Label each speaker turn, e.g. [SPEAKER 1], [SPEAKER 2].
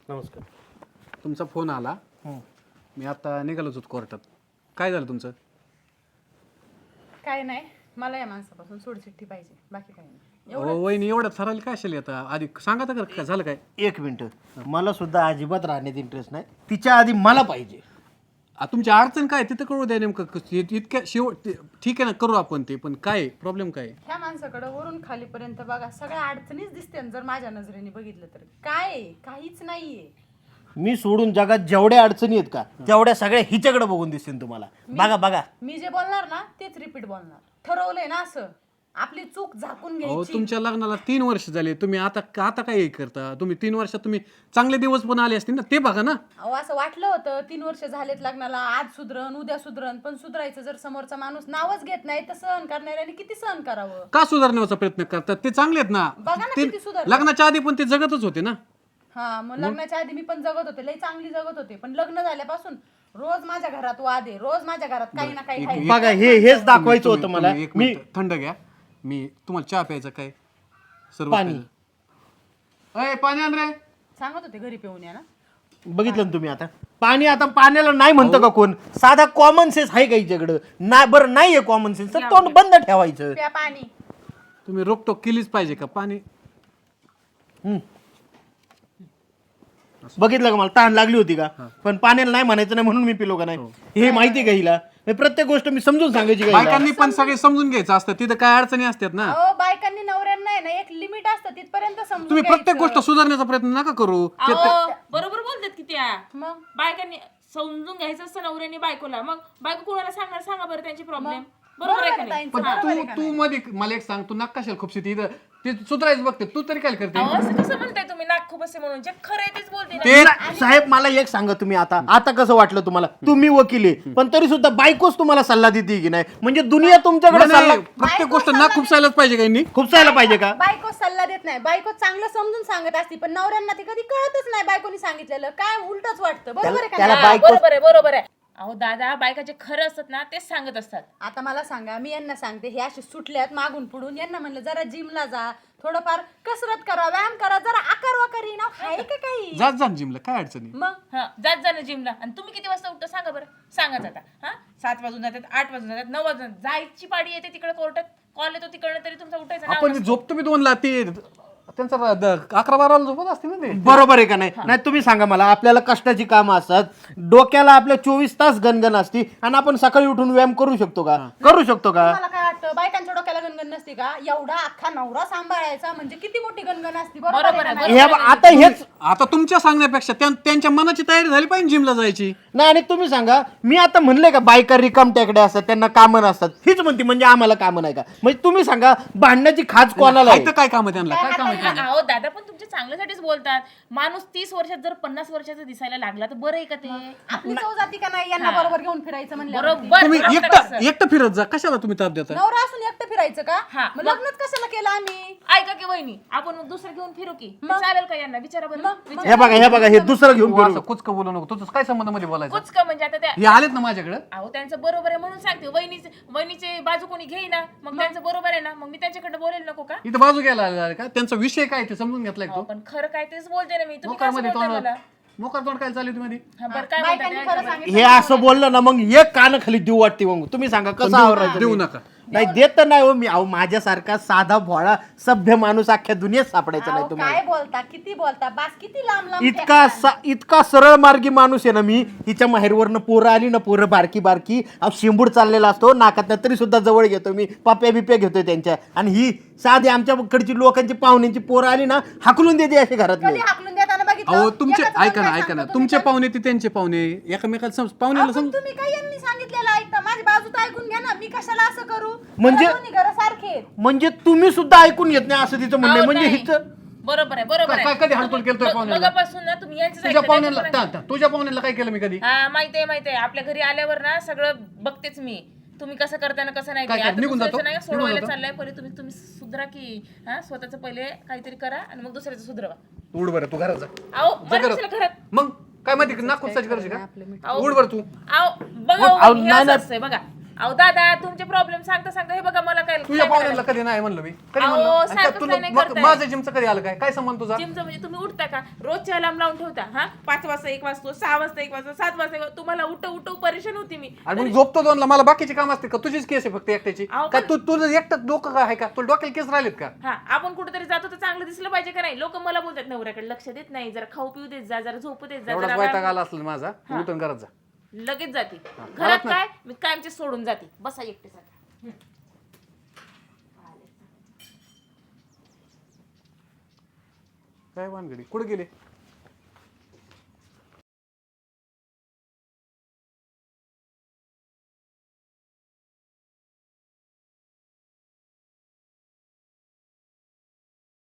[SPEAKER 1] नमस्कार.
[SPEAKER 2] तुमचा फोन आला. मी आता निघालोच होतो कोर्टात. काय झालं तुमचं?
[SPEAKER 3] काय नाही, मला या माणसापासून सोडचिठ्ठी पाहिजे, बाकी काही नाही.
[SPEAKER 2] वहिनी एवढं ठरवलं काय असेल आता? आधी सांगा तर काय झालं काय?
[SPEAKER 1] एक मिनिट, मला सुद्धा अजिबात राहण्यात इंटरेस्ट नाही. तिच्या आधी मला पाहिजे.
[SPEAKER 2] तुमची अडचण काय तिथं कळू द्या नेमकं. इतक्या शेवट ठीक आहे ना, करू आपण ते, पण काय प्रॉब्लेम काय?
[SPEAKER 3] ह्या माणसाकडे वरून खालीपर्यंत बघा, सगळ्या अडचणीच दिसते. जर माझ्या नजरेने बघितलं तर काय आहे? काहीच नाहीये.
[SPEAKER 1] मी सोडून जगात जेवढ्या अडचणी आहेत का तेवढ्या सगळ्या हिच्याकडे बघून दिसतील तुम्हाला. बघा बघा,
[SPEAKER 3] मी जे बोलणार ना तेच रिपीट बोलणार. ठरवलंय ना असं, आपली चूक झाकून
[SPEAKER 2] हो,
[SPEAKER 3] घ्यायची.
[SPEAKER 2] तुमच्या लग्नाला 3 वर्ष झाले. तुम्ही आता काय करता? तुम्ही 3 वर्षात तुम्ही चांगले दिवस पण आले असतील ना, ते बघा ना.
[SPEAKER 3] अहो, असं वाटलं होतं 3 वर्ष झालेत लग्नाला, आज सुधरण उद्या सुधरण, पण सुधरायचं जर समोरचा माणूस नावच घेत नाही तर सहन करणाऱ्याने किती सहन करावं?
[SPEAKER 2] का सुधारण्याचा प्रयत्न करतात? ते चांगले आहेत ना.
[SPEAKER 3] बघा ना
[SPEAKER 2] ते
[SPEAKER 3] किती सुधारले.
[SPEAKER 2] लग्नाच्या आधी पण ते जगतच होते ना.
[SPEAKER 3] हा, मग लग्नाच्या आधी मी पण जगत होते, लई चांगली जगत होते. पण लग्न झाल्यापासून रोज माझ्या घरात वाद आहे, रोज माझ्या घरात काही ना काही आहे.
[SPEAKER 1] बघा, हेच दाखवायचं होतं मला.
[SPEAKER 2] तुम्ही एक मिनिट थंड घ्या. मी तुम्हाला चहा प्यायचा काय? सर्व
[SPEAKER 1] पाणी.
[SPEAKER 2] अय, पाणी आण रे.
[SPEAKER 3] सांगत होते घरी पिऊन या ना.
[SPEAKER 1] बघितलं ना तुम्ही आता पाणी. आता पाण्याला नाही म्हणतं का कोण? साधा कॉमन सेन्स आहे का हिच्याकडं? नाही, बरं नाहीये कॉमन सेन्स तर तोंड बंद ठेवायचं.
[SPEAKER 3] प्या पाणी.
[SPEAKER 2] तुम्ही रोकटोक केलीच पाहिजे का? पाणी
[SPEAKER 1] बघितलं का, मला तहान लागली होती का, पण पाण्याला नाही म्हणायचं नाही म्हणून मी पिलो का नाही? हे माहिती का हिला? हे प्रत्येक गोष्ट मी समजून सांगायची का हिला?
[SPEAKER 2] बायकांनी पण सगळे समजून घ्यायचं असतं. तिथं काय अडचणी असतात ना.
[SPEAKER 3] अहो, बायकांनी नवऱ्यांना आहे ना एक लिमिट असतं, तिथपर्यंत समजून
[SPEAKER 2] तुम्ही प्रत्येक
[SPEAKER 3] घ्यायचं.
[SPEAKER 2] गोष्ट सुधारण्याचा प्रयत्न नका करू.
[SPEAKER 4] अहो, बरोबर बोलतात की त्या
[SPEAKER 3] मग
[SPEAKER 4] बायकांनी समजून घ्यायचं असतं नवऱ्याने बायकोला. मग बायको कोणाला सांगणार? सांगा बरं त्यांची प्रॉब्लेम. बरोबर आहे का नाही?
[SPEAKER 3] ताईंचं,
[SPEAKER 2] पण
[SPEAKER 3] बरोबर आहे का
[SPEAKER 2] तू मध्ये मला एक सांग, तू नकाशाला खूप इथं ते सुधारायचं बघते. तू तरी काय करते?
[SPEAKER 4] अहो, असं कसं म्हणताय तुम्ही? नाक खूप असे म्हणून जे खरं आहे तेच बोलते ना.
[SPEAKER 1] ते साहेब, मला एक सांगा तुम्ही, आता कसं वाटलं तुम्हाला? तुम्ही वकील आहे, पण तरी सुद्धा बायकोच तुम्हाला सल्ला देते की नाही? म्हणजे दुनिया तुमच्याकडे
[SPEAKER 2] नाही,
[SPEAKER 1] सल्ला
[SPEAKER 2] प्रत्येक गोष्ट ना खुपसायलाच पाहिजे काही.
[SPEAKER 1] खुपसायला पाहिजे का?
[SPEAKER 3] बायको सल्ला देत नाही, बायको चांगलं समजून सांगत असती, पण नवऱ्यांना ते कधी कळतच नाही. बायकोनी सांगितलेलं काय उलटच वाटतं. बरोबर आहे का
[SPEAKER 1] त्याला
[SPEAKER 3] नाही?
[SPEAKER 4] हा,
[SPEAKER 1] बायको-
[SPEAKER 4] बरोबर आहे, बरोबर आहे. अहो दादा, बायका जे खरं असतात ना तेच सांगत असतात.
[SPEAKER 3] आता मला सांगा, मी यांना सांगते हे असे सुटल्यात मागून पुढून, यांना म्हणलं जरा जिमला जा, थोडंफार कसरत करा, व्यायाम करा, जरा आकार वाकारी ना आहे का काही?
[SPEAKER 2] जात जा जिमला, काय अडचणी?
[SPEAKER 3] मग
[SPEAKER 4] हा, जात जा ना जिमला. आणि तुम्ही किती वाजता उठता सांगा बरं? सांगाच आता. हा, 7 वाजून जातात, 8 वाजून जातात, 9 वाजून जातात. जायची पाडी येते तिकडे कोर्टात, कॉल येतो तिकडनं, तरी तुमचा उठायचा नाव
[SPEAKER 2] आपण
[SPEAKER 4] नसतं.
[SPEAKER 2] झोपतो मी 2ला. ते त्यांचा 11-12 झोपत असते ना ते.
[SPEAKER 1] बरोबर आहे का नाही? नाही, तुम्ही सांगा मला. आपल्याला कष्टाची कामं असतात, डोक्याला आपल्या 24 तास गणगण असती, आणि आपण सकाळी उठून व्यायाम करू शकतो का? करू शकतो का?
[SPEAKER 3] मला काय वाटतं, बायकांच्या डोक्याला गणगण नसते का? एवढा अख्खा नवरा सांभाळायचा म्हणजे किती मोठी गणगण असती. बरोबर आहे का नाही?
[SPEAKER 1] आता हेच
[SPEAKER 2] आता तुमच्या सांगण्यापेक्षा त्यांच्या मनाची तयारी झाली पाहिजे जिमला जायची.
[SPEAKER 1] नाही. आणि तुम्ही सांगा, मी आता म्हणले का बायका रिकाम टेकड्या असतात, त्यांना कामं नसतात. हीच म्हणते म्हणजे आम्हाला कामं नाही का? म्हणजे तुम्ही सांगा, भांडण्याची खाज कोणाला आहे?
[SPEAKER 2] इथं काय काम आहे त्यांना? काय काम आहे?
[SPEAKER 4] अहो दादा, पण तुमच्या चांगल्यासाठीच बोलतात. माणूस 30 वर्षात जर 50 वर्षाचा दिसायला लागला तर बरं आहे का ते?
[SPEAKER 3] आपली चव जाती का नाही यांना बरोबर घेऊन फिरायचं म्हणलं?
[SPEAKER 4] बरोबर.
[SPEAKER 2] तुम्ही
[SPEAKER 4] बरोबर असं.
[SPEAKER 2] एकटं फिरत जा. कशाला तुम्ही ताप देता?
[SPEAKER 3] नवरा असून एकटं फिरायचं का?
[SPEAKER 4] हा.
[SPEAKER 3] मग लग्नच कशाला केलं आम्ही?
[SPEAKER 4] ऐका की वहिनी, आपण मग दुसरं घेऊन फिरू की? चालेल का यांना? विचारा बरं. विचारा.
[SPEAKER 1] हे बघा, हे दुसरं घेऊन
[SPEAKER 2] तू
[SPEAKER 1] फिरू.
[SPEAKER 2] असं कुचकं बोलू नको. तुझं काय संबंध मध्ये बोलायचं?
[SPEAKER 4] कुच का म्हणजे आता त्या
[SPEAKER 2] हे आलेत ना माझ्याकडे.
[SPEAKER 4] अहो त्यांचं बरोबर आहे म्हणून सांगते. वहिनीचे बाजू कोणी घेईना, मग त्यांचं बरोबर आहे ना, मग मी त्यांच्याकडे बोलेल नको का?
[SPEAKER 2] इथं बाजू घ्यायला आलेला का? त्यांचा विषय काय ते समजून घेतलाय
[SPEAKER 4] अहो,
[SPEAKER 2] तो.
[SPEAKER 4] पण खरं काय तेच बोलते ना मी. तुम्ही
[SPEAKER 2] मोकार
[SPEAKER 4] कसं
[SPEAKER 2] मध्ये
[SPEAKER 4] बोलताय मला?
[SPEAKER 2] मोकार तोंड काय चालू तुम्ही?
[SPEAKER 4] हा, बरं काय
[SPEAKER 3] बायकांनी
[SPEAKER 4] म्हणताय?
[SPEAKER 3] खरं सांगितलं.
[SPEAKER 1] हे असं बोललं ना, मग एक कान खाली देऊ वाटते. मग तुम्ही सांगा कसं आवरायचं?
[SPEAKER 2] देऊ
[SPEAKER 1] मी?
[SPEAKER 2] नका.
[SPEAKER 1] नाही, देत तर नाही हो मी. अहो, माझ्यासारखा साधा भोळा सभ्य माणूस अख्ख्या दुनियेत सापडायचा नाही
[SPEAKER 3] अहो,
[SPEAKER 1] तुम्हाला.
[SPEAKER 3] काय बोलता, किती बोलता, बास किती लांब लांब
[SPEAKER 1] इतका सरळ मार्गी माणूस आहे ना मी. हिच्या माहेरवरनं पोरं आली ना, पोरं बारकी बारकी, अहो शेंबूड चाललेला असतो नाकात, तरी सुद्धा जवळ घेतो मी, पाप्या बिप्या घेतोय त्यांच्या. आणि ही साधी आमच्याकडची लोकांची पाहुण्यांची पोरं आली ना, हाकलून देते अशी घरातली.
[SPEAKER 3] कधी हाकलून देताना बघितलं?
[SPEAKER 2] अहो तुमचे
[SPEAKER 3] एकाचं
[SPEAKER 2] ऐका ना
[SPEAKER 3] काय
[SPEAKER 2] ऐका ना,
[SPEAKER 3] सांगतो
[SPEAKER 2] तुमचे
[SPEAKER 3] तुम्ही?
[SPEAKER 2] पाहुणे ते त्यांचे पाहुणे, एकमेकाला पाहुण्याला
[SPEAKER 3] आपण तुम्ही काय यांनी सांगितलेलं ऐकता? माझी बाजू तर ऐकून घ्या ना. मी कशाला असं करू?
[SPEAKER 1] म्हणजे-
[SPEAKER 3] मला दोन्ही घरं सारखे आहेत.
[SPEAKER 1] म्हणजे तुम्ही सुद्धा ऐकून घेत नाही असं तिचं म्हणणं आहे.
[SPEAKER 4] अहो,
[SPEAKER 1] म्हणजे
[SPEAKER 4] नाही.
[SPEAKER 1] हिचं
[SPEAKER 4] बरोबर आहे, बरोबर
[SPEAKER 2] काय-
[SPEAKER 4] आहे.
[SPEAKER 2] कधी हालतोल केलतोय पाहुण्याला?
[SPEAKER 4] मगापासून ना तुम्ही यांचंच
[SPEAKER 2] तुझ्या
[SPEAKER 4] ऐकलं,
[SPEAKER 2] पाहुण्याला
[SPEAKER 4] त्यांचं पण
[SPEAKER 2] तुझ्या पाहुण्याला काय केलं मी कधी?
[SPEAKER 4] हा, माहितीये माहितीये. आपल्या घरी आल्यावर ना सगळं बघतेच मी. तुम्ही कसं करताय ना कसं नाही.
[SPEAKER 2] काय-
[SPEAKER 4] आता
[SPEAKER 2] निघून
[SPEAKER 4] दुसऱ्याचं
[SPEAKER 2] जातो?
[SPEAKER 4] नाही
[SPEAKER 2] निघून
[SPEAKER 4] सोडवायला
[SPEAKER 2] जातो?
[SPEAKER 4] चाललंय. पहिले तुम्ही सुधरा की. हा, स्वतःचं पहिले काहीतरी करा आणि मग दुसऱ्याचं सुधरवा.
[SPEAKER 2] उड बरं, तू घरात जा.
[SPEAKER 4] अहो
[SPEAKER 2] जा
[SPEAKER 4] बरं
[SPEAKER 2] घरात.
[SPEAKER 4] कशाला घरात?
[SPEAKER 2] मग काय माहिती नाक खुपसायची करायची का?
[SPEAKER 4] अहो,
[SPEAKER 2] उड बरं तू.
[SPEAKER 4] अहो बघा,
[SPEAKER 1] अहो,
[SPEAKER 4] हे
[SPEAKER 1] नाही,
[SPEAKER 4] असं
[SPEAKER 1] नाही.
[SPEAKER 4] असतंय बघा. अहो दादा तुमचे प्रॉब्लेम सांगता सांगता हे बघा मला काय
[SPEAKER 2] तुझ्या पाहुण्याला कधी नाही म्हणलं मी कधी
[SPEAKER 4] अहो,
[SPEAKER 2] म्हणलं आणि
[SPEAKER 4] सारखं
[SPEAKER 2] त्यात तुला
[SPEAKER 4] नाही
[SPEAKER 2] मग
[SPEAKER 4] करताय.
[SPEAKER 2] माझं जिमचं कधी आलं काय संबंध तुझा
[SPEAKER 4] जिमचं म्हणजे तुम्ही उठता का रोजच्या अलार्म लावून ठेवता हा 5 वाजता 1 वाजतो 6 वाजता 1 वाजतो 7 वाजता 1 वाजता. तुम्हाला उठव परेशान होती मी
[SPEAKER 2] आणि मग झोपतो दोनला मला बाकीची काम असते का तुझीच केस आहे फक्त एकट्याची
[SPEAKER 4] अहो,
[SPEAKER 2] काय तुझं एकटं डोकं काय आहे का तुला डोक्याला केस राहिलेत का
[SPEAKER 4] हा आपण कुठेतरी जातो तर चांगलं दिसलं पाहिजे का नाही लोक मला बोलतात नवऱ्याकडे लक्ष देत नाही जरा खाऊ पिऊ देत जा जरा झोपू देत जा
[SPEAKER 2] एवढाच
[SPEAKER 4] जरा
[SPEAKER 2] वैताग
[SPEAKER 4] व्यायाम-
[SPEAKER 2] आला असेल माझा तू उठून करत जा
[SPEAKER 4] लगेच जाते
[SPEAKER 2] घरात
[SPEAKER 4] घरात
[SPEAKER 2] नाही.
[SPEAKER 4] काय मी कायमचे सोडून जाते बसा एकटे आता
[SPEAKER 2] काय वानगडी कुठे गेले